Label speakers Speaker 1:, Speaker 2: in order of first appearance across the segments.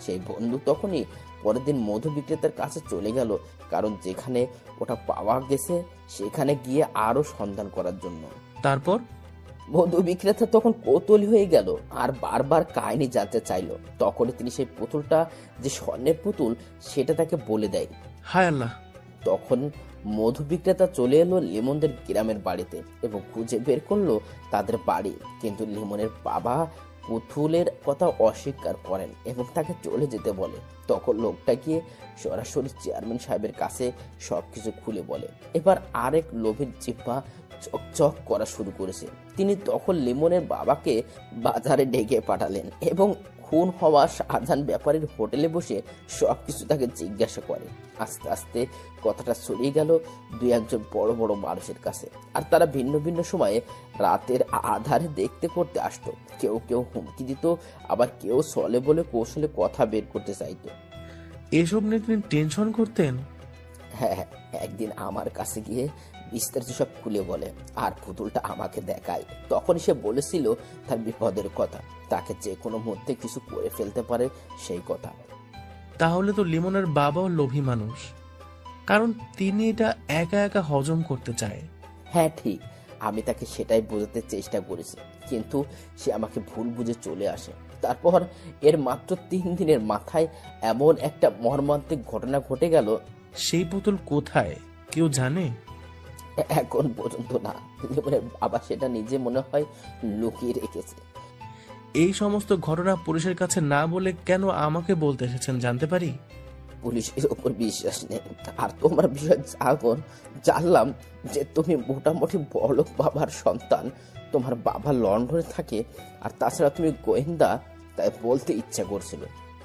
Speaker 1: সেই বন্ধু তখনই পরের দিন মধু বিক্রেতার কাছে চলে গেল, কারণ যেখানে ওটা পাওয়া গেছে সেখানে গিয়ে আরো সন্ধান করার জন্য।
Speaker 2: তারপর
Speaker 1: মধু বিক্রেতা তখন কৌতূহলী হয়ে গেল আর বারবার কাহিনী জানতে চাইলো। তখনই তিনি সেই পুতুলটা যে স্বর্ণের পুতুল সেটা তাকে বলে দেয়।
Speaker 2: হায় আল্লাহ!
Speaker 1: তখন মধু বিক্রেতা চলে এলো লিমনদের গ্রামের বাড়িতে এবং খুঁজে বের করলো তাদের বাড়ি। কিন্তু লিমনের বাবা পুতুলের কথা অস্বীকার করেন এবং তাকে চলে যেতে বলে। তখন লোকটা গিয়ে সরাসরি চেয়ারম্যান সাহেবের কাছে সবকিছু খুলে বলে। এবার আরেক লোভের জিহ্বা চকচক করা শুরু করেছে। তিনি তখন লিমনের বাবাকে বাজারে ডেকে পাঠালেন এবং খুন হওয়া শাহজাহান ব্যাপারীর হোটেলে বসে সবকিছু তাকে জিজ্ঞাসা করে। আস্তে আস্তে কথাটা ছড়িয়ে গেল দুই একজন বড় বড় মানুষের কাছে, আর তারা ভিন্ন ভিন্ন সময়ে রাতের আধারে দেখতে করতে আসতো। কেউ কেউ হুমকি দিত, আবার কেউ চলে বলে কৌশলে কথা বের করতে চাইতো।
Speaker 2: এসব নিয়ে তিনি টেনশন করতেন?
Speaker 1: হ্যাঁ, একদিন আমার কাছে গিয়ে বিস্তারিত সব খুলে বলে আর পুতুলটা আমাকে দেখায়। তখন সে বলেছিল তার বিপদের কথা, তাকে যে কোনো মুহূর্তে কিছু করে ফেলতে পারে সেই কথা।
Speaker 2: তাহলে তো লিমনের বাবাও লোভী মানুষ, কারণ তিনি এটা একা একা হজম করতে চায়।
Speaker 1: হ্যাঁ ঠিক, আমি তাকে সেটাই বোঝাতে চেষ্টা করেছি, কিন্তু সে আমাকে ভুল বুঝে চলে আসে। তারপর এর মাত্র 3 দিনের মাথায় এমন একটা মর্মান্তিক ঘটনা ঘটে গেল।
Speaker 2: সেই পুতুল কোথায় কেউ জানে?
Speaker 1: এখন পর্যন্ত না। লিমনের বাবা সেটা নিজে মনে হয় লুকিয়ে রেখেছে।
Speaker 2: এই সমস্ত ঘটনা পুলিশের কাছে না বলে কেন আমাকে বলতে এসেছেন জানতে পারি?
Speaker 1: পুলিশের ওপর বিশ্বাস নেই, আর তোমার বিষয় যখন জানলাম যে তুমি মোটামুটি বড়লোক বাবার সন্তান, তোমার বাবা লন্ডনে থাকে, আর তাছাড়া তুমি গোয়েন্দা, তাই বলতে ইচ্ছা করছিল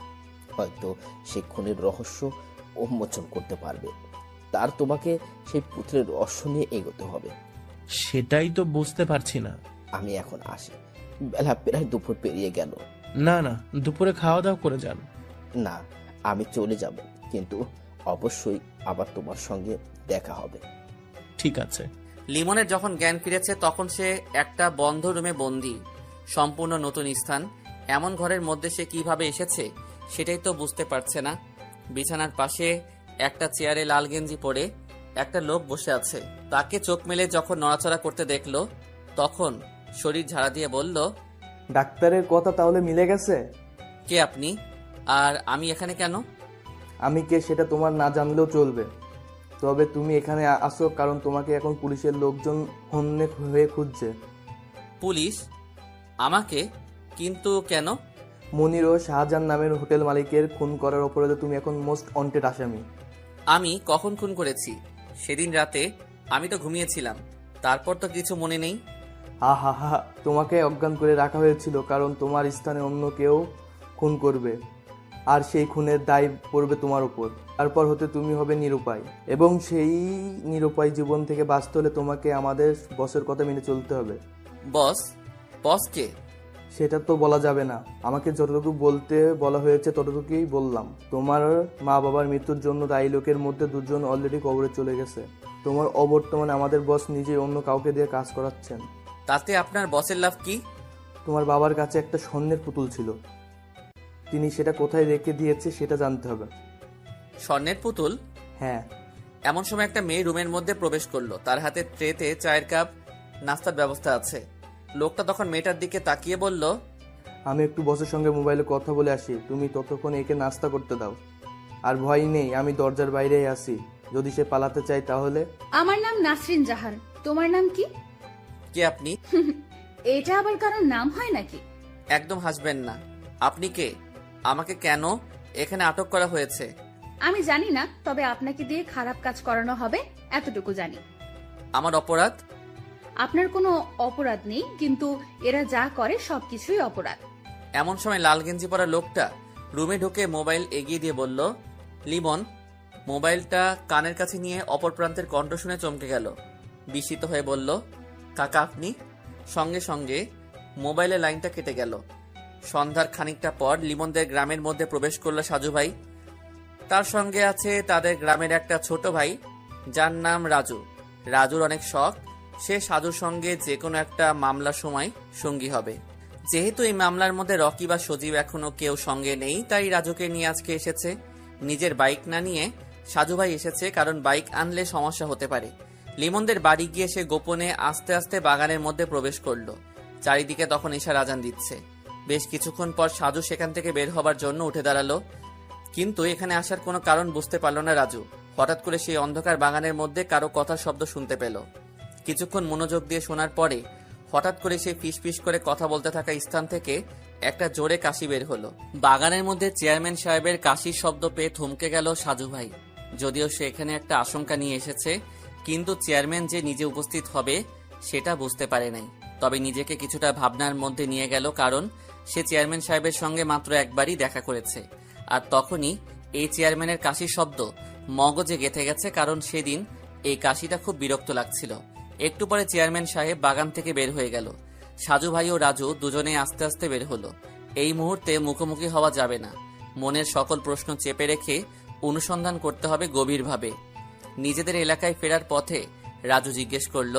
Speaker 1: হয়তো সে খুনের রহস্য উন্মোচন করতে পারবে। তার তোমাকে সেই পুত্রের রহস্য নিয়ে এগোতে হবে।
Speaker 2: সেটাই তো বুঝতে পারছি না।
Speaker 1: আমি এখন আসি, বেলা প্রায় দুপুর পেরিয়ে গেল।
Speaker 2: না না, দুপুরে খাওয়া দাওয়া করে যান।
Speaker 1: না, আমি চলে যাব, কিন্তু অবশ্যই আবার তোমার সঙ্গে দেখা হবে।
Speaker 2: ঠিক আছে।
Speaker 3: লিমনের যখন জ্ঞান ফিরেছে তখন সে একটা বন্ধ রুমে বন্দি, সম্পূর্ণ নতুন স্থান। এমন ঘরের মধ্যে সে কিভাবে এসেছে সেটাই তো বুঝতে পারছে না। বিছানার পাশে একটা চেয়ারে লাল গেঞ্জি পরে একটা লোক বসে আছে। তাকে চোখ মেলে যখন নড়াচড়া করতে দেখলো তখন শরীর ঝাড়া দিয়ে বলল,
Speaker 4: ডাক্তারের কথা তাহলে মিলে গেছে?
Speaker 3: কে আপনি, আর আমি এখানে কেন?
Speaker 4: আমি কে সেটা তোমার না জানলেও চলবে, তবে তুমি এখানে আসো কারণ তোমাকে এখন পুলিশের লোকজন হন্যে হয়ে খুঁজছে।
Speaker 3: পুলিশ? আমাকে? কিন্তু কেন?
Speaker 4: মনির ও শাহজাহান নামের হোটেল মালিকের খুন করার অপরাধে তুমি এখন মোস্ট ওয়ান্টেড আসামি।
Speaker 3: আমি কখন খুন করেছি? সেদিন রাতে আমি তো ঘুমিয়েছিলাম, তারপর তো কিছু মনে নেই।
Speaker 4: হা হা হা, তোমাকে অজ্ঞান করে রাখা হয়েছিল কারণ তোমার স্থানে অন্য কেউ খুন করবে, আর সেই খুনের দায় পড়বে তোমার উপর। তারপর হতে তুমি হবে নিরুপায়, এবং সেই নিরুপায় জীবন থেকে বাঁচতে হলে তোমাকে আমাদের বসের কথা মেনে চলতে হবে।
Speaker 3: বস? বস কে?
Speaker 4: সেটা তো বলা যাবে না, আমাকে যতটুকু বলতে বলা হয়েছে ততটুকুই বললাম। তোমার মা বাবার মৃত্যুর জন্য দায়ী লোকের মধ্যে 2 জন অলরেডি কবরে চলে গেছে। তোমার অবর্তমানে আমাদের বস নিজেই অন্য কাউকে দিয়ে কাজ করাচ্ছেন।
Speaker 3: তাতে আপনার বসের লাভ কি?
Speaker 4: তোমার বাবার কাছে একটা স্বর্ণের পুতুল ছিল, তিনি সেটা কোথায় রেখে দিয়েছে সেটা জানতে হবে।
Speaker 3: স্বর্ণের পুতুল?
Speaker 4: হ্যাঁ।
Speaker 3: এমন সময় একটা মেয়ে রুমের মধ্যে প্রবেশ করলো, তার হাতে ট্রেতে চায়ের কাপ, নাস্তার ব্যবস্থা আছে। লোকটা তখন মেয়েটার দিকে তাকিয়ে বলল,
Speaker 4: আমি একটু বসের সঙ্গে মোবাইলে কথা বলে আসি, তুমি ততক্ষণ একে নাস্তা করতে দাও। আর ভয় নেই, আমি দরজার বাইরেই আছি, যদি সে পালাতে চায় তাহলে।
Speaker 5: আমার নাম নাসরিন জাহান, তোমার নাম কি?
Speaker 3: কে আপনি?
Speaker 5: এটা আবার কারোর নাম হয় নাকি?
Speaker 3: একদম হাসবেন না। আপনি কে? আমাকে কেন এখানে আটক করা হয়েছে?
Speaker 5: আমি জানি না, তবে আপনাকে দিয়ে খারাপ কাজ করানো হবে এতটুকু জানি।
Speaker 3: আমার অপরাধ?
Speaker 5: আপনার কোনো অপরাধ নেই, কিন্তু এরা যা করে সবকিছুই অপরাধ।
Speaker 3: এমন সময় লাল গেঞ্জি পরা লোকটা রুমে ঢুকে মোবাইল এগিয়ে দিয়ে বলল, লিমন। মোবাইলটা কানের কাছে নিয়ে অপর প্রান্তের কণ্ঠ শুনে চমকে গেল, বিস্মিত হয়ে বলল, কাকা আপনি? সঙ্গে সঙ্গে মোবাইলের লাইনটা কেটে গেল। সন্ধ্যার খানিকটা পর লিমনদের গ্রামের মধ্যে প্রবেশ করলো সাজু ভাই। তার সঙ্গে আছে তাদের গ্রামের একটা ছোট ভাই যার নাম রাজু। রাজুর অনেক শখ, সে সাজুর সঙ্গে যে কোনো একটা মামলার সময় সঙ্গী হবে। যেহেতু এই মামলার মধ্যে রকি বা সজীব এখনো কেউ সঙ্গে নেই, তাই রাজুকে নিয়ে আজকে এসেছে। নিজের বাইক না নিয়ে সাজু ভাই এসেছে, কারণ বাইক আনলে সমস্যা হতে পারে। লিমনদের বাড়ি গিয়ে সে গোপনে আস্তে আস্তে বাগানের মধ্যে প্রবেশ করলো। চারিদিকে তখন ঈশার আজান দিচ্ছে। বেশ কিছুক্ষণ পর সাজু সেখান থেকে বের হবার জন্য উঠে দাঁড়ালো, কিন্তু এখানে আসার কোনো কারণ বুঝতে পারল না রাজু। হঠাৎ করে সেই অন্ধকার বাগানের মধ্যে কারো কথার শব্দ শুনতে পেল। কিছুক্ষণ মনোযোগ দিয়ে শোনার পরে হঠাৎ করে সেই ফিসফিস করে কথা বলতে থাকা স্থান থেকে একটা জোরে কাশি বের হলো। বাগানের মধ্যে চেয়ারম্যান সাহেবের কাশির শব্দ পেয়ে থমকে গেল সাজু ভাই। যদিও সে এখানে একটা আশঙ্কা নিয়ে এসেছে, কিন্তু চেয়ারম্যান যে নিজে উপস্থিত হবে সেটা বুঝতে পারে নাই। তবে নিজেকে কিছুটা ভাবনার মধ্যে নিয়ে গেল, কারণ সে চেয়ারম্যান সাহেবের সঙ্গে মাত্র একবারই দেখা করেছে। আর তখনই এই চেয়ারম্যানের কাশির শব্দ মগজে গেঁথে গেছে, কারণ সেদিন এই কাশিটা খুব বিরক্ত লাগছিল। একটু পরে চেয়ারম্যান সাহেব বাগান থেকে বের হয়ে গেল। সাজু ভাই ও রাজু দুজনে আস্তে আস্তে বের হলো। এই মুহূর্তে মুখোমুখি হওয়া যাবে না। মনের সকল প্রশ্ন চেপে রেখে অনুসন্ধান করতে হবে গভীরভাবে। নিজেদের এলাকায় ফেরার পথে রাজু জিজ্ঞেস করলো,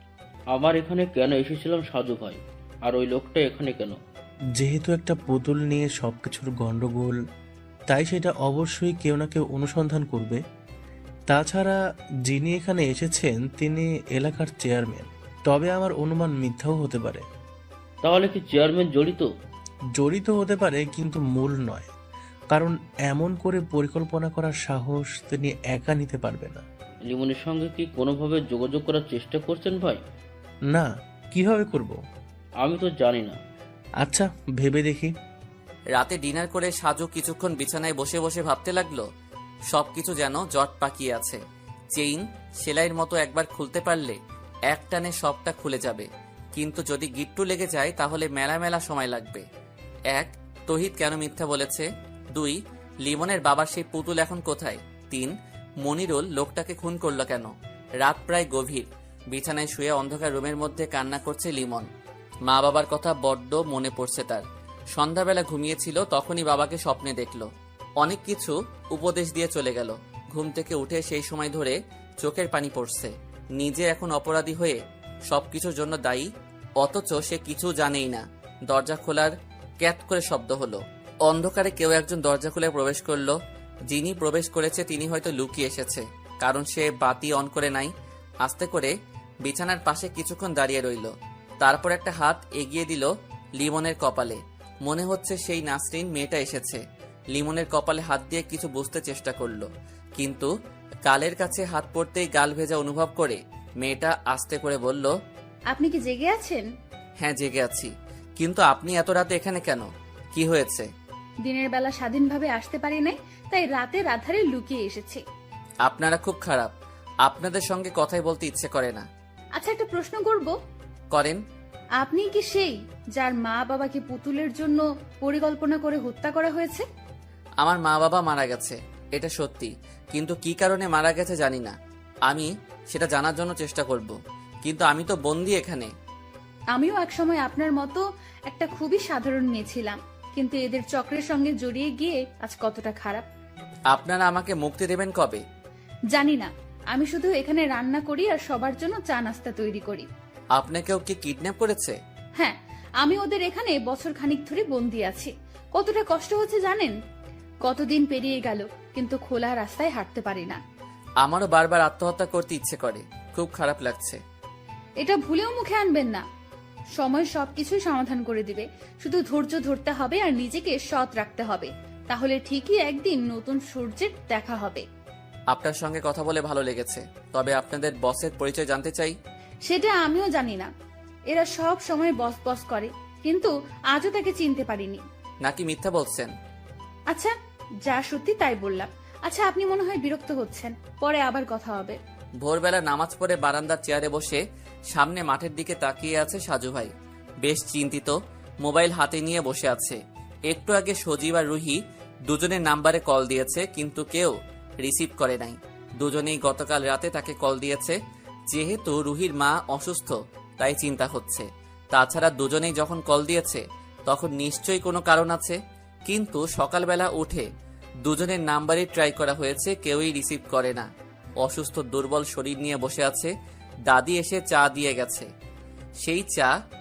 Speaker 6: আমার এখানে কেন এসেছিলাম সাজু ভাই? আর ওই লোকটা এখানে কেন?
Speaker 2: যেহেতু একটা পুতুল নিয়ে সবকিছুর গন্ডগোল, তাই সেটা অবশ্যই কেউ না কেউ অনুসন্ধান করবে। তাছাড়া যিনি এখানে এসেছেন তিনি এলাকার চেয়ারম্যান। তবে আমার অনুমান মিথ্যাও হতে পারে।
Speaker 6: তাহলে কি চেয়ারম্যান জড়িত?
Speaker 2: জড়িত হতে পারে, কিন্তু মূল নয়। কারণ এমন করে পরিকল্পনা করার সাহস তিনি একা নিতে পারবে না।
Speaker 6: লিমনের সঙ্গে কি কোনোভাবে যোগাযোগ করার চেষ্টা করছেন ভাই?
Speaker 2: না, কিভাবে করব?
Speaker 6: আমি তো জানি না।
Speaker 2: আচ্ছা, ভেবে দেখি।
Speaker 3: রাতে ডিনার করে সাজু কিছুক্ষণ বিছানায় বসে বসে ভাবতে লাগলো। সবকিছু যেন জট পাকিয়ে আছে। চেইন সেলাইয়ের মতো একবার খুলতে পারলে এক টানে সবটা খুলে যাবে, কিন্তু যদি গিট্টু লেগে যায় তাহলে মেলা মেলা সময় লাগবে। 1. তহিদ কেন মিথ্যা বলেছে? 2. লিমনের বাবার সেই পুতুল এখন কোথায়? 3. মনিরুল লোকটাকে খুন করলো কেন? রাত প্রায় গভীর। বিছানায় শুয়ে অন্ধকার রুমের মধ্যে কান্না করছে লিমন। মা বাবার কথা বড্ড মনে পড়ছে তার। সন্ধ্যাবেলা ঘুমিয়েছিল, তখনই বাবাকে স্বপ্নে দেখল। অনেক কিছু উপদেশ দিয়ে চলে গেল। ঘুম থেকে উঠে সেই সময় ধরে চোখের পানি পড়ছে। নিজে এখন অপরাধী হয়ে সবকিছুর জন্য দায়ী, অথচ সে কিছু জানেই না। দরজা খোলার ক্যাট করে শব্দ হলো। অন্ধকারে কেউ একজন দরজা খুলে প্রবেশ করলো। যিনি প্রবেশ করেছে তিনি হয়তো লুকিয়ে এসেছে, কারণ সে বাতি অন করে নাই। আস্তে করে বিছানার পাশে কিছুক্ষণ দাঁড়িয়ে রইল। তারপর একটা হাত এগিয়ে দিল লিমনের কপালে। মনে হচ্ছে সেই নাসরিন মেয়েটা এসেছে। লিমনের কপালে হাত দিয়ে কিছু বুঝতে চেষ্টা করলো, কিন্তু গালের কাছে হাত পড়তেই গাল ভেজা অনুভব করে মেয়েটা আস্তে করে বলল,
Speaker 5: আপনি কি জেগে আছেন?
Speaker 3: হ্যাঁ, জেগে আছি। কিন্তু আপনি এত রাতে এখানে কেন? কি হয়েছে?
Speaker 5: দিনের বেলা স্বাধীনভাবে আসতে পারি নাই, তাই রাতের আধারে লুকিয়ে এসেছি।
Speaker 3: আপনারা খুব খারাপ। আপনাদের সঙ্গে কথাই বলতে ইচ্ছে করে না।
Speaker 5: আচ্ছা, একটা প্রশ্ন করব।
Speaker 3: করেন।
Speaker 5: আপনি কি সেই যার মা বাবাকে পুতুলের জন্য পরিকল্পনা করে হত্যা করা হয়েছে?
Speaker 3: আমার মা বাবা মারা গেছে, এটা সত্যি, কিন্তু কি কারণে মারা গেছে জানি না। আমি সেটা জানার জন্য চেষ্টা করব, কিন্তু আমি তো বন্দি এখানে।
Speaker 5: আমিও একসময় আপনার মতো একটা খুবই সাধারণ মেয়ে ছিলাম, কিন্তু এদের চক্রের সঙ্গে জড়িয়ে গিয়ে আজ কতটা খারাপ।
Speaker 3: আপনারা আমাকে মুক্তি দেবেন কবে?
Speaker 5: জানি না, আমি শুধু এখানে রান্না করি আর সবার জন্য চা নাস্তা তৈরি করি।
Speaker 3: আপনাকেও কি কিডন্যাপ করেছে?
Speaker 5: হ্যাঁ, আমি ওদের এখানে বছর খানিক ধরে বন্দি আছি। কতটা কষ্ট হচ্ছে জানেন? কতদিন পেরিয়ে গেল, কিন্তু খোলা রাস্তায় হাঁটতে পারি না।
Speaker 3: আমারও বারবার আত্মহত্যা করতে ইচ্ছে করে, খুব খারাপ লাগছে।
Speaker 5: এটা ভুলেও মুখে আনবেন না। সময় সবকিছুই সমাধান করে দিবে। শুধু ধৈর্য ধরতে হবে আর নিজেকে সৎ রাখতে হবে, তাহলে ঠিকই একদিন নতুন সূর্যের দেখা হবে।
Speaker 3: আপনার সঙ্গে কথা বলে ভালো লেগেছে, তবে আপনাদের বসের পরিচয় জানতে চাই।
Speaker 5: সেটা আমিও জানি না। এরা সব সময় বস বস করে, কিন্তু আজও তাকে চিনতে পারিনি।
Speaker 3: নাকি মিথ্যা বলছেন?
Speaker 5: আচ্ছা, যা সত্যি তাই বললাম। আচ্ছা, আপনি মনে হয় বিরক্ত হচ্ছেন, পরে আবার কথা হবে।
Speaker 3: ভোরবেলা নামাজ পড়ে বারান্দার চেয়ারে বসে সামনে মাঠের দিকে তাকিয়ে আছে সাজু ভাই। বেশ চিন্তিত, মোবাইল হাতে নিয়ে বসে আছে। একটু আগে সজীব আর রুহি দুজনের নাম্বারে কল দিয়েছে, কিন্তু কেউ রিসিভ করে নাই। দুজনেই গতকাল রাতে তাকে কল দিয়েছে। যেহেতু রুহির মা অসুস্থ, তাই চিন্তা হচ্ছে। তাছাড়া দুজনেই যখন কল দিয়েছে তখন নিশ্চয়ই কোনো কারণ আছে, কিন্তু সকালবেলা উঠে দুজনের নাম্বারই ট্রাই করা হয়েছে, কেউই রিসিভ করে না। অসুস্থ দুর্বল শরীর নিয়ে বসে আছে। দাদি এসে চা দিয়ে গেছে। সেই চা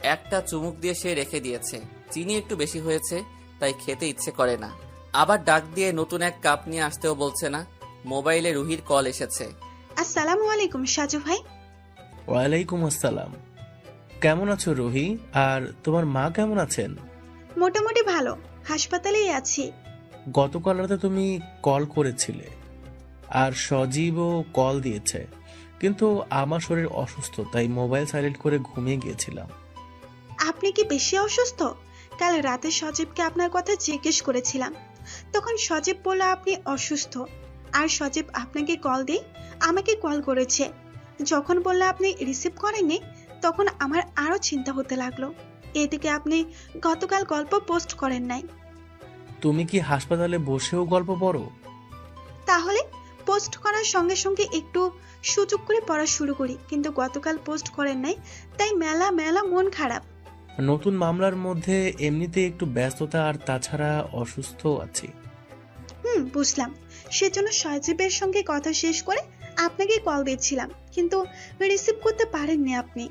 Speaker 3: একটা চুমুক দিয়ে সে রেখে দিয়েছে। চিনি একটু বেশি হয়েছে, তাই খেতে ইচ্ছে করে না। আবার ডাক দিয়ে নতুন এক কাপ নিয়ে আসতেও বলছে না। মোবাইলে রুহির কল এসেছে।
Speaker 7: আসসালামু আলাইকুম সাজু ভাই।
Speaker 2: ওয়ালাইকুম আসসালাম। কেমন আছো রুহি? আর তোমার মা কেমন আছেন?
Speaker 7: মোটামুটি ভালো, হাসপাতালেই আছি।
Speaker 2: গতকাল রাতে তুমি কল করেছিলে, আর সজীবও কল দিয়েছে, কিন্তু আমার শরীর অসুস্থ, তাই মোবাইল সাইলেন্ট করে ঘুমিয়ে গিয়েছিলাম।
Speaker 7: আপনি কি বেশি অসুস্থ? কাল রাতে সজীবকে আপনার কথা জিজ্ঞেস করেছিলাম, তখন সজীব বলল আপনি অসুস্থ। আর সজীব আপনাকে কল দিয়ে আমাকে কল করেছে। যখন বলল আপনি রিসিভ করেননি, তখন আমার আরো চিন্তা হতে লাগলো। এদিকে আপনি গতকাল গল্প পোস্ট করেন নাই।
Speaker 2: তুমি কি হাসপাতালে বসেও গল্প পড়ো?
Speaker 7: তাহলে পোস্ট করার সঙ্গে সঙ্গে একটু সুযোগ করে পড়া শুরু করি, কিন্তু গতকাল পোস্ট করেন নাই, তাই মেলা মেলা মন খারাপ।
Speaker 2: নতুন মামলার মধ্যে এমনিতে একটু ব্যস্ততা, আর তাছাড়া অসুস্থ আছি।
Speaker 7: বুঝলাম। সেজন্য সজীবের সঙ্গে কথা শেষ করে আপনাকে কল দিচ্ছিলাম, কিন্তু রিসিভ করতে পারেননি আপনি।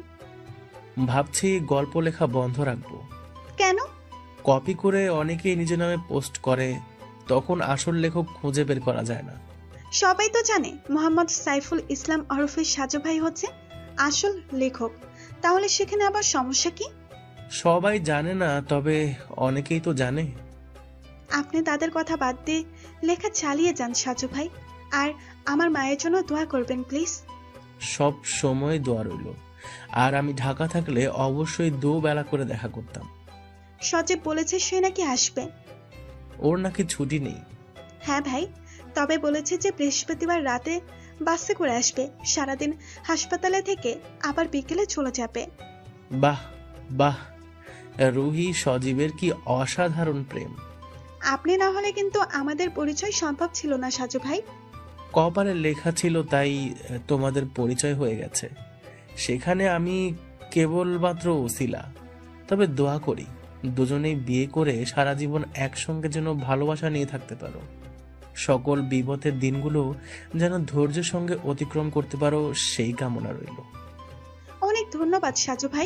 Speaker 2: ভাবছি গল্প লেখা বন্ধ রাখবো।
Speaker 7: কেন?
Speaker 2: কপি করে অনেকেই নিজের নামে পোস্ট করে, তখন আসল লেখক খুঁজে বের করা যায় না।
Speaker 7: সবাই তো জানে মোহাম্মদ সাইফুল ইসলাম ওরফে সাজু ভাই হচ্ছে আসল লেখক, তাহলে সেখানে আবার সমস্যা কি?
Speaker 2: সবাই জানে না, তবে অনেকেই তো জানে।
Speaker 7: আপনি তাদের কথা বাদ দিয়ে লেখা চালিয়ে যান সাজু ভাই, আর আমার মায়ের জন্য দোয়া করবেন প্লিজ।
Speaker 2: সব সময় দোয়া রইল। আর আমি ঢাকা থাকলে অবশ্যই দুবেলা করে দেখা করতাম।
Speaker 7: সজীব বলেছে সে নাকি আসবে।
Speaker 2: ওর নাকি ছুটি নেই।
Speaker 7: হ্যাঁ ভাই, তবে বলেছে যে বৃহস্পতিবার রাতে বাসে করে আসবে, সারাদিন হাসপাতালে থেকে আবার বিকেলে চলে যাবে।
Speaker 2: বাহ বাহ, রুহি সজীবের কি অসাধারণ প্রেম।
Speaker 7: আপনি না হলে কিন্তু আমাদের পরিচয় সম্ভব ছিল না সাজু ভাই।
Speaker 2: কপালে লেখা ছিল, তাই তোমাদের পরিচয় হয়ে গেছে। সেখানে আমি কেবলমাত্র ওসিলা। তবে দোয়া করি দুজনেই বিয়ে করে সারা জীবন একসঙ্গে যেন ভালোবাসা নিয়ে থাকতে পারো। সকল বিপদের দিনগুলো যেন ধৈর্যের সঙ্গে অতিক্রম করতে পারো, সেই কামনা রইল।
Speaker 7: অনেক ধন্যবাদ সাজু ভাই।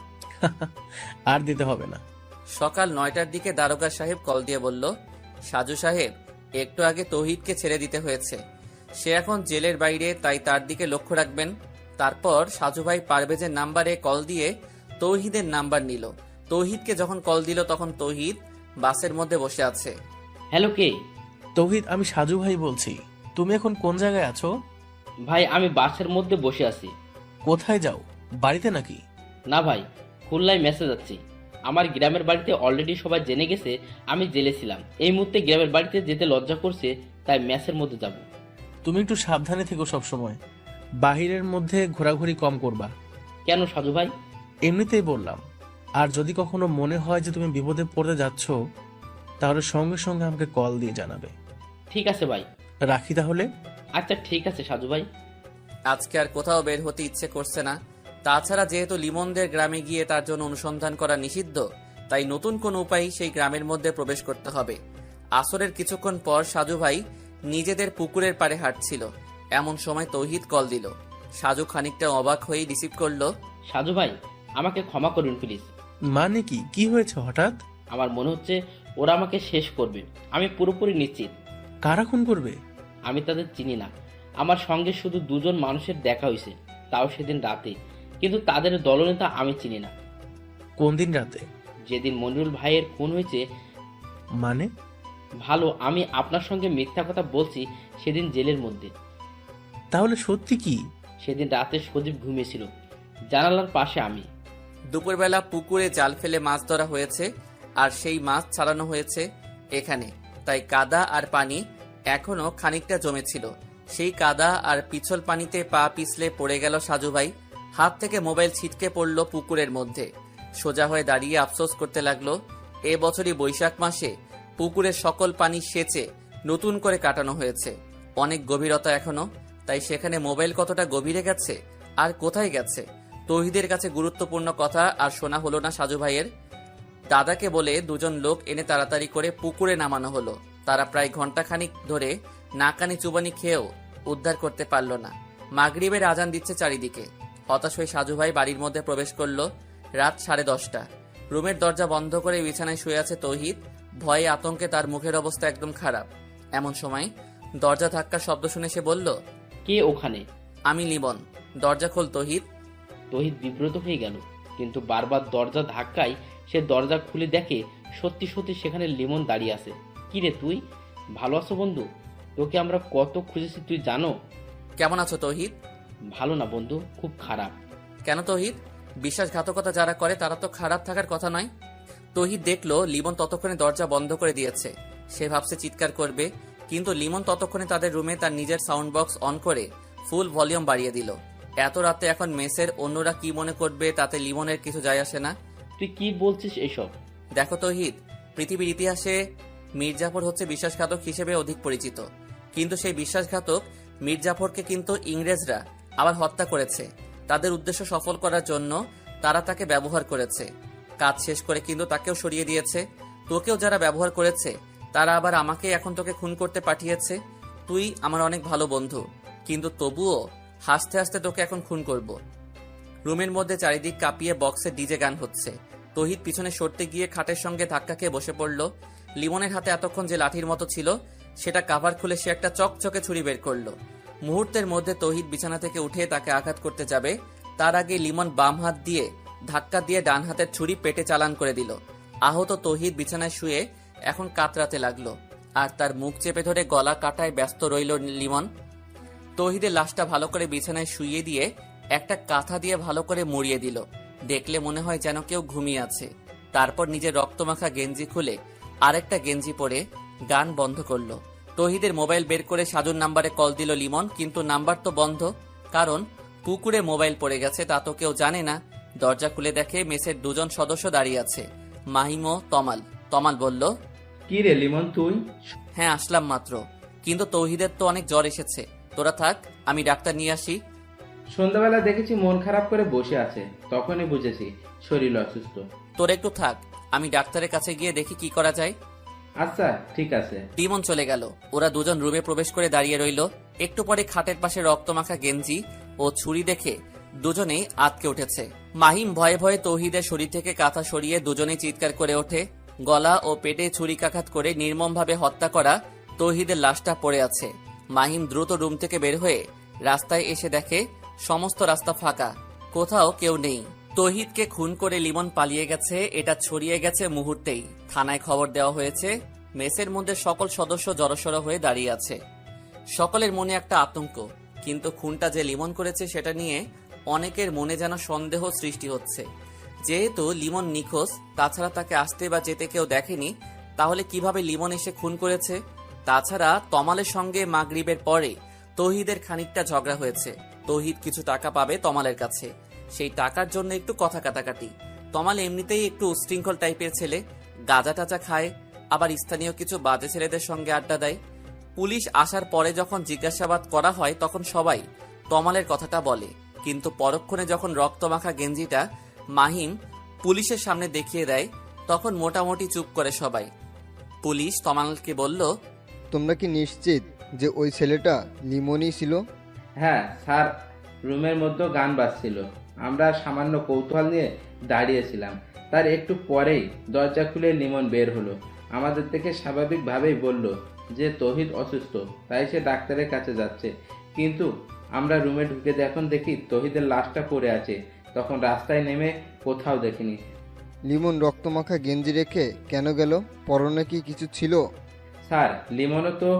Speaker 2: আর দিতে হবে না।
Speaker 3: সকাল 9টার দিকে দারোগা সাহেব কল দিয়ে বলল, সাজু সাহেব, একটু আগে তৌহিদকে ছেড়ে দিতে হয়েছে। সে এখন জেলের বাইরে, তাই তার দিকে লক্ষ্য রাখবেন। তারপর সাজু ভাই পারভেজের নাম্বারে কল দিয়ে তৌহিদের নাম্বার নিল। তৌহিদকে যখন কল দিল, তখন তৌহিদ বাসের মধ্যে বসে আছে।
Speaker 6: হ্যালো, কে?
Speaker 2: তৌহিদ, আমি সাজু ভাই বলছি। তুমি এখন কোন জায়গায় আছো?
Speaker 6: ভাই, আমি বাসের মধ্যে বসে আছি।
Speaker 2: কোথায় যাও? বাড়িতে নাকি?
Speaker 6: না ভাই, খুলনায় মেসে যাচ্ছি। আমার গ্রামের বাড়িতে অলরেডি সবাই জেনে গেছে আমি জেলে ছিলাম। এই মুহূর্তে গ্রামের বাড়িতে যেতে লজ্জা করছে, তাই মেসের মধ্যে যাব।
Speaker 2: তুমি একটু সাবধানে থেকো, সবসময় বাহিরের মধ্যে ঘোরাঘুরি কম করবা।
Speaker 6: কেন সাজু ভাই?
Speaker 2: এমনিতেই বললাম। আর যদি কখনো মনে হয় যে তুমি বিপদে পড়তে যাচ্ছ, তাহলে সঙ্গে সঙ্গে আমাকে কল দিয়ে জানাবে।
Speaker 6: ঠিক আছে ভাই।
Speaker 2: রাখি তাহলে।
Speaker 6: আচ্ছা ঠিক আছে সাজু ভাই।
Speaker 3: আজকে আর কোথাও বের হতে ইচ্ছে করছে না। তাছাড়া যেহেতু লিমনদের গ্রামে গিয়ে তার জন্য অনুসন্ধান করা নিষিদ্ধ, তাই নতুন কোন উপায় সেই গ্রামের মধ্যে প্রবেশ করতে হবে। আসরের কিছুক্ষণ পর সাজু ভাই নিজেদের পুকুরের পাড়ে হাঁটছিল, এমন সময় তৌহিদ কল দিল। সাজু খানিকটা অবাক হয়ে রিসিভ করলো।
Speaker 6: সাজু ভাই, আমাকে ক্ষমা করুন প্লিজ।
Speaker 2: মানে কি? কি হয়েছে হঠাৎ?
Speaker 6: আমার মনে হচ্ছে ওরা আমাকে শেষ করবে। আমি পুরোপুরি নিশ্চিত।
Speaker 2: কারা খুন করবে?
Speaker 6: আমি তাদের চিনি না। আমার সঙ্গে শুধু দুজন মানুষের দেখা হয়েছে, তাও সেদিন রাতে। কিন্তু তাদের দলনেতা আমি চিনি না।
Speaker 2: কোন দিন রাতে?
Speaker 6: যেদিন মনিরুল ভাইয়ের খুন হয়েছে।
Speaker 2: মানে?
Speaker 6: ভালো, আমি আপনার সঙ্গে মিথ্যা কথা বলছি সেদিন জেলের মধ্যে।
Speaker 2: তাহলে সত্যি কি?
Speaker 6: সেদিন রাতে সজীব ঘুমিয়েছিল, জানালার পাশে আমি।
Speaker 3: দুপুরবেলা পুকুরে জাল ফেলে মাছ ধরা হয়েছে, আর সেই মাছ ছাড়ানো হয়েছে এখানে। তাই কাদা আর পানি এখনো খানিকটা জমেছিল। সেই কাদা আর পিছল পানিতে পা পিছলে পড়ে গেল সাজু ভাই। হাত থেকে মোবাইল ছিটকে পড়ল পুকুরের মধ্যে। সোজা হয়ে দাঁড়িয়ে আফসোস করতে লাগলো, এ বছরই বৈশাখ মাসে পুকুরের সকল পানি সেচে নতুন করে কাটানো হয়েছে। অনেক গভীরতা এখনো, তাই সেখানে মোবাইল কতটা গভীরে গেছে আর কোথায় গেছে। তৌহিদের কাছে গুরুত্বপূর্ণ কথা আর শোনা হলো না সাজু ভাইয়ের। দাদাকে বলে দুজন লোক এনে তাড়াতাড়ি করে পুকুরে নামানো হলো। তারা প্রায় ঘন্টাখানিক ধরে নাকানি চুবানি খেয়েও উদ্ধার করতে পারল না। মাগরিবের আজান দিচ্ছে চারিদিকে। হতাশ হয়ে সাজু ভাই বাড়ির মধ্যে প্রবেশ করলো। রাত 10:30। রুমের দরজা বন্ধ করে বিছানায় শুয়ে আছে তৌহিদ। ভয়ে আতঙ্কে তার মুখের অবস্থা একদম খারাপ। এমন সময় দরজা ধাক্কার শব্দ শুনে সে বলল,
Speaker 6: কে ওখানে?
Speaker 3: আমি লিমন। দরজা খোল তৌহিদ।
Speaker 6: তহিদ বিব্রত হয়ে গেল, কিন্তু বারবার দরজা ধাক্কায় সে দরজা খুলে দেখে সত্যি সত্যি সেখানে লিমন দাঁড়িয়ে আছে। কি রে তুই, ভালো আছো বন্ধু? তোকে আমরা কত খুঁজেছি তুই জানো?
Speaker 3: কেমন আছো তৌহিদ?
Speaker 6: ভালো না বন্ধু, খুব খারাপ।
Speaker 3: কেন তৌহিদ? বিশ্বাসঘাতকতা যারা করে তারা তো খারাপ থাকার কথা নয়। তৌহিদ দেখলো লিমন ততক্ষণে দরজা বন্ধ করে দিয়েছে। সে ভাবছে চিৎকার করবে, কিন্তু লিমন ততক্ষণে তাদের রুমে তার নিজের সাউন্ড বক্স অন করে ফুল ভলিউম বাড়িয়ে দিল। এত রাতে এখন মেসের অন্যরা কি মনে করবে তাতে লিমনের কিছু যায় আসে না।
Speaker 6: তুই কি বলছিস এসব?
Speaker 3: দেখো তৌহিদ, পৃথিবীর ইতিহাসে মীর জাফর হচ্ছে বিশ্বাসঘাতক হিসেবে অধিক পরিচিত, কিন্তু সেই বিশ্বাসঘাতক মীর জাফরকে কিন্তু ইংরেজরা আবার হত্যা করেছে। তাদের উদ্দেশ্য সফল করার জন্য তারা তাকে ব্যবহার করেছে। কাজ শেষ করে কিন্তু তাকেও সরিয়ে দিয়েছে। তোকেও যারা ব্যবহার করেছে তারা আবার আমাকে এখন তোকে খুন করতে পাঠিয়েছে। তুই আমার অনেক ভালো বন্ধু, কিন্তু তবুও হাসতে হাসতে তোকে এখন খুন করব। রুমের মধ্যে চারিদিক কাঁপিয়ে বক্সে ডিজে গান হচ্ছে। তৌহিদ পিছনে সরতে গিয়ে খাটের সঙ্গে ধাক্কা খেয়ে বসে পড়ল। লিমনের হাতে এতক্ষণ যে লাঠির মতো ছিল সেটা কাভার খুলে সে একটা চকচকে ছুরি বের করলো। মুহূর্তের মধ্যে তৌহিদ বিছানা থেকে উঠে তাকে আঘাত করতে যাবে, তার আগে লিমন বাম হাত দিয়ে ধাক্কা দিয়ে ডান হাতের ছুরি পেটে চালান করে দিল। আহত তৌহিদ বিছানায় শুয়ে এখন কাতরাতে লাগলো, আর তার মুখ চেপে ধরে গলা কাটায় ব্যস্ত রইল লিমন। তৌহিদের লাশটা ভালো করে বিছানায় শুইয়ে দিয়ে একটা কাঁথা দিয়ে ভালো করে মুড়িয়ে দিল। দেখলে মনে হয় যেন কেউ ঘুমিয়ে আছে। তারপর নিজের রক্তমাখা গেঞ্জি খুলে আরেকটা গেঞ্জি পরে গান বন্ধ করলো। তৌহিদের মোবাইল বের করে সাজুর নাম্বারে কল দিল লিমন, কিন্তু নাম্বার তো বন্ধ, কারণ পুকুরে মোবাইল পড়ে গেছে তা তো কেউ জানে না। দরজা খুলে দেখে মেসের দুজন সদস্য দাঁড়িয়ে আছে, মাহিম ও তমাল। তমাল বলল,
Speaker 6: কি রে লিমন তুই?
Speaker 3: হ্যাঁ আসলাম মাত্র, কিন্তু তৌহিদের তো অনেক জ্বর এসেছে। তোরা থাক, আমি ডাক্তার নিয়ে আসি।
Speaker 8: সন্ধ্যাবেলা দেখেছি মন খারাপ করে বসে আছে, তখনই বুঝেছি শরীর অসুস্থ।
Speaker 3: তোরা একটু থাক, আমি ডাক্তারের কাছে গিয়ে দেখি কি করা যায়।
Speaker 8: আচ্ছা ঠিক আছে।
Speaker 3: লিমন চলে গেল। ওরা দুজন রুমে প্রবেশ করে দাঁড়িয়ে রইল। একটু পরে খাটের পাশে রক্তমাখা গেঞ্জি ও ছুরি দেখে দুজনেই আঁতকে উঠেছে। মাহিম ভয়ে ভয়ে তৌহিদের শরীর থেকে কাঁথা সরিয়ে দুজনেই চিৎকার করে ওঠে। গলা ও পেটে ছুরিকাঘাত করে নির্মমভাবে হত্যা করা তৌহিদের লাশটা পড়ে আছে। মাহিম দ্রুত রুম থেকে বের হয়ে রাস্তায় এসে দেখে সমস্ত রাস্তা ফাঁকা, কোথাও কেউ নেই। তৌহিদকে খুন করে লিমন পালিয়ে গেছে, এটা ছড়িয়ে গেছে মুহূর্তেই। থানায় খবর দেওয়া হয়েছে। মেসের মধ্যে সকল সদস্য জড়সড় হয়ে দাঁড়িয়ে আছে। সকলের মনে একটা আতঙ্ক, কিন্তু খুনটা যে লিমন করেছে সেটা নিয়ে অনেকের মনে যেন সন্দেহ সৃষ্টি হচ্ছে। যেহেতু লিমন নিখোঁজ, তাছাড়া তাকে আসতে বা যেতে কেউ দেখেনি, তাহলে কিভাবে লিমন এসে খুন করেছে? তাছাড়া তমালের সঙ্গে মাগরিবের পরে তৌহিদের খানিকটা ঝগড়া হয়েছে। তৌহিদ কিছু টাকা পাবে তমালের কাছে, সেই টাকার জন্য একটু কথা কাটাকাটি। তমাল এমনিতেই একটু উশৃঙ্খল টাইপের ছেলে, গাঁজা টাজা খায়, আবার স্থানীয় কিছু বাজে ছেলেদের সঙ্গে আড্ডা দেয়। পুলিশ আসার পরে যখন জিজ্ঞাসাবাদ করা হয় তখন সবাই তমালের কথাটা বলে, কিন্তু পরক্ষণে যখন রক্তমাখা গেঞ্জিটা মাহিম পুলিশের সামনে দেখিয়ে দেয় তখন মোটামুটি চুপ করে সবাই। পুলিশ তমালকে বলল,
Speaker 9: তোমরা কি নিশ্চিত যে ওই ছেলেটা লিমনই ছিল?
Speaker 8: হ্যাঁ স্যার, রুমের মধ্যে গান বাজছিল, আমরা সামান্য কৌতূহল নিয়ে দাঁড়িয়েছিলাম। তার একটু পরেই দরজা খুলে লিমন বের হলো। আমাদের থেকে স্বাভাবিকভাবেই বলল যে তৌহিদ অসুস্থ, তাই সে ডাক্তারের কাছে যাচ্ছে। কিন্তু আমরা রুমে ঢুকে যখন দেখি তৌহিদের লাশটা পড়ে আছে, তখন রাস্তায় নেমে কোথাও দেখিনি।
Speaker 9: লিমন রক্তমাখা গেঞ্জি রেখে কেন গেল? পরনে কি কিছু ছিল?
Speaker 8: স্যার, লিমনও তো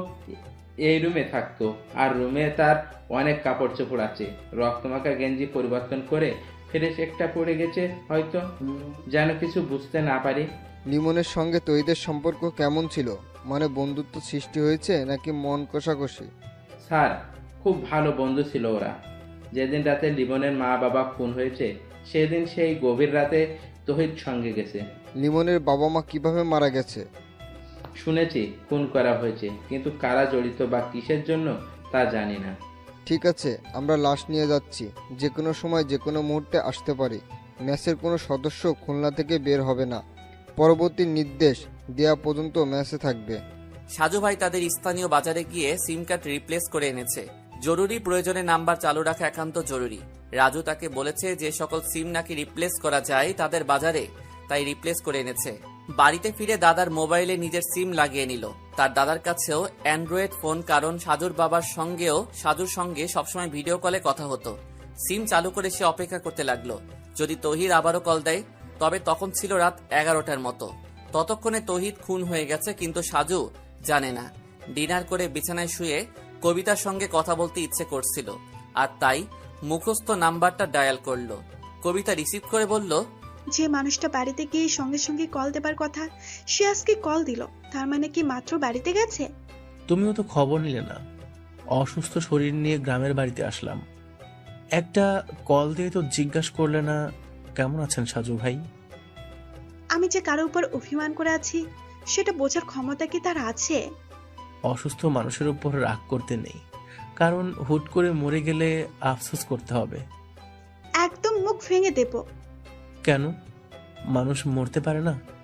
Speaker 8: এই রুমে থাকতো, আর রুমে তার অনেক কাপড় চোপড় আছে। রক্তমাখা গেঞ্জি পরিবর্তন করে ফ্রেশ একটা পড়ে গেছে হয়তো, যেন কিছু বুঝতে না পারি।
Speaker 9: লিমনের সঙ্গে তৌহিদের সম্পর্ক কেমন ছিল? মানে বন্ধুত্ব সৃষ্টি হয়েছে নাকি মন কষাকষি?
Speaker 8: স্যার, খুব ভালো বন্ধু ছিল ওরা। যেদিন রাতে লিমনের মা বাবা খুন হয়েছে সেদিন সেই গভীর রাতে তৌহিদ সঙ্গে গেছে।
Speaker 9: লিমনের বাবা মা কিভাবে মারা গেছে?
Speaker 8: শুনেছি খুন করা হয়েছে, কিন্তু কারা জড়িত বা কিসের জন্য তা জানি না।
Speaker 9: ঠিক আছে, আমরা লাশ নিয়ে যাচ্ছি। যে কোনো সময় যে কোনো মুহূর্তে আসতে পারি। ম্যাচের কোনো সদস্য খুলনা থেকে বের হবে না। পরবর্তী নির্দেশ দেওয়া পর্যন্ত ম্যাচে থাকবে।
Speaker 3: সাজু ভাই তাদের স্থানীয় বাজারে গিয়ে সিম কার্ড রিপ্লেস করে এনেছে। জরুরি প্রয়োজনে নাম্বার চালু রাখা একান্ত জরুরি। রাজু তাকে বলেছে যে সকল সিম নাকি রিপ্লেস করা যায় তাদের বাজারে, তাই রিপ্লেস করে এনেছে। বাড়িতে ফিরে দাদার মোবাইলে নিজের সিম লাগিয়ে নিল। তার দাদার কাছেও অ্যান্ড্রয়েড ফোন, কারণ সাজুর সঙ্গে সবসময় ভিডিও কলে কথা হতো। সিম চালু করে সে অপেক্ষা করতে লাগলো যদি তহিদ আবারও কল দেয়। তবে তখন ছিল রাত 11টার মতো। ততক্ষণে তহিদ খুন হয়ে গেছে, কিন্তু সাজু জানে না। ডিনার করে বিছানায় শুয়ে কবিতার সঙ্গে কথা বলতে ইচ্ছে করছিল, আর তাই মুখস্থ নাম্বারটা ডায়াল করলো। কবিতা রিসিভ করে বলল,
Speaker 7: যে মানুষটা বাড়িতে গিয়ে সঙ্গে সঙ্গে কল দেবার কথা সে আজকে কল দিল, তার মানে কি মাত্র বাড়িতে গেছে?
Speaker 2: তুমিও তো খবর নিলে না। অসুস্থ শরীর নিয়ে গ্রামের বাড়িতে আসলাম, একটা কল দিয়ে তো জিজ্ঞাসা করলে না কেমন আছেন সাজু ভাই।
Speaker 7: আমি যে কারো উপর অভিমান করে আছি সেটা বোঝার ক্ষমতা কি তার আছে?
Speaker 2: অসুস্থ মানুষের উপর রাগ করতে নেই, কারণ হুট করে মরে গেলে আফসোস করতে হবে।
Speaker 7: একদম মুখ ভেঙে দেব।
Speaker 2: কেন, মানুষ মরতে পারে না?